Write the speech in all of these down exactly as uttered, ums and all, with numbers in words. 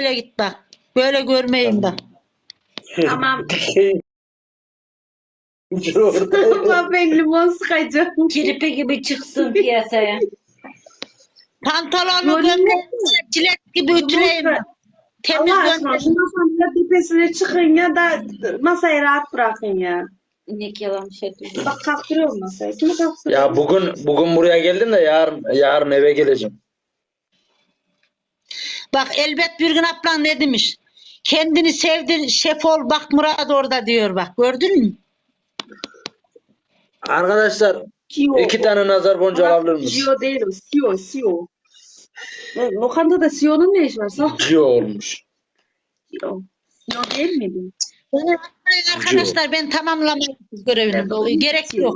böyle git bak. Böyle görmeyin bak. Tamam. Orada. Ama ben limon sıkacağım. Kirpi gibi çıksın piyasaya. Pantolonu Gönder. gönder. Çilek gibi ütüleyim. bak. Temiz Allah aşkına gönder. şu masanın da tepesine çıkın ya da masayı rahat bırakın ya. İnek yalan şey diyor. Bak kalktırıyorum masayı. Kimi kalktırıyor? Ya bugün bugün buraya geldim de yarın yarın eve geleceğim. Bak elbet bir gün ablan ne demiş? Kendini sevdin şef ol bak Murat orada diyor bak. Gördün mü? Arkadaşlar Sio. iki tane nazar boncuğu alabilir misin? Sio değil o. Sio, Sio. Lo- Lokantada Sio'nun ne işi var? Sio. Cio olmuş. Sio. Sio değil miydi? Beni atmayın arkadaşlar ben tamamlamayı görevinde oluyor. Gerek yok.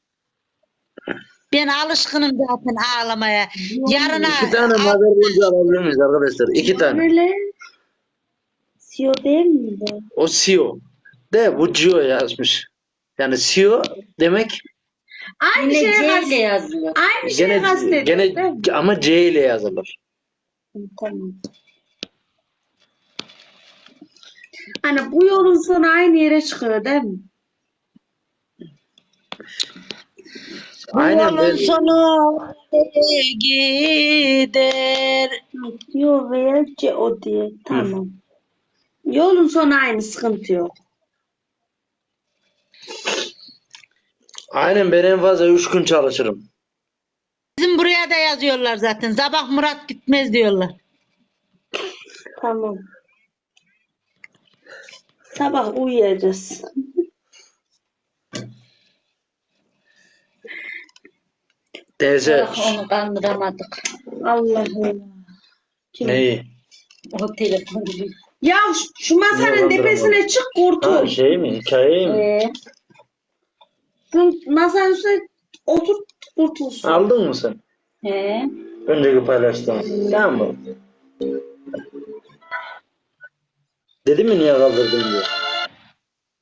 Ben alışkınım zaten ağlamaya. Yarına İki tane nazar boncuğu alabilir miyiz arkadaşlar? İki tane. Böyle. Sio değil miydi? O Sio. De bu Cio yazmış. Yani Sio demek Aynı Yine şeye C ile kast- yazıyor. Aynı şeye gene kastediyor. gene değil mi? ama C ile yazılır. Tamam. Hani bu yolun sonu aynı yere çıkıyor değil mi? Aynen yolun ben sonu nereye gider. Yo veya C o diye. Tamam. Yolun sonu aynı, sıkıntı yok. aynen ben en fazla üç gün çalışırım. Bizim buraya da yazıyorlar zaten. Sabah Murat gitmez diyorlar. Tamam. Sabah uyuyacağız. Teyze Ah, onu kandıramadık. Allah'ım. Kim? neyi? O telefonu gibi. Ya şu, şu masanın Yalan tepesine drama. çık Ha, kurtul. şey mi? Hikaye mi? Ee, Şu masanın üstüne otur kurtulsun. Aldın mı sen? he. Önceki paylaştığım. Tamam mı? Dedim mi niye kaldırdın diye.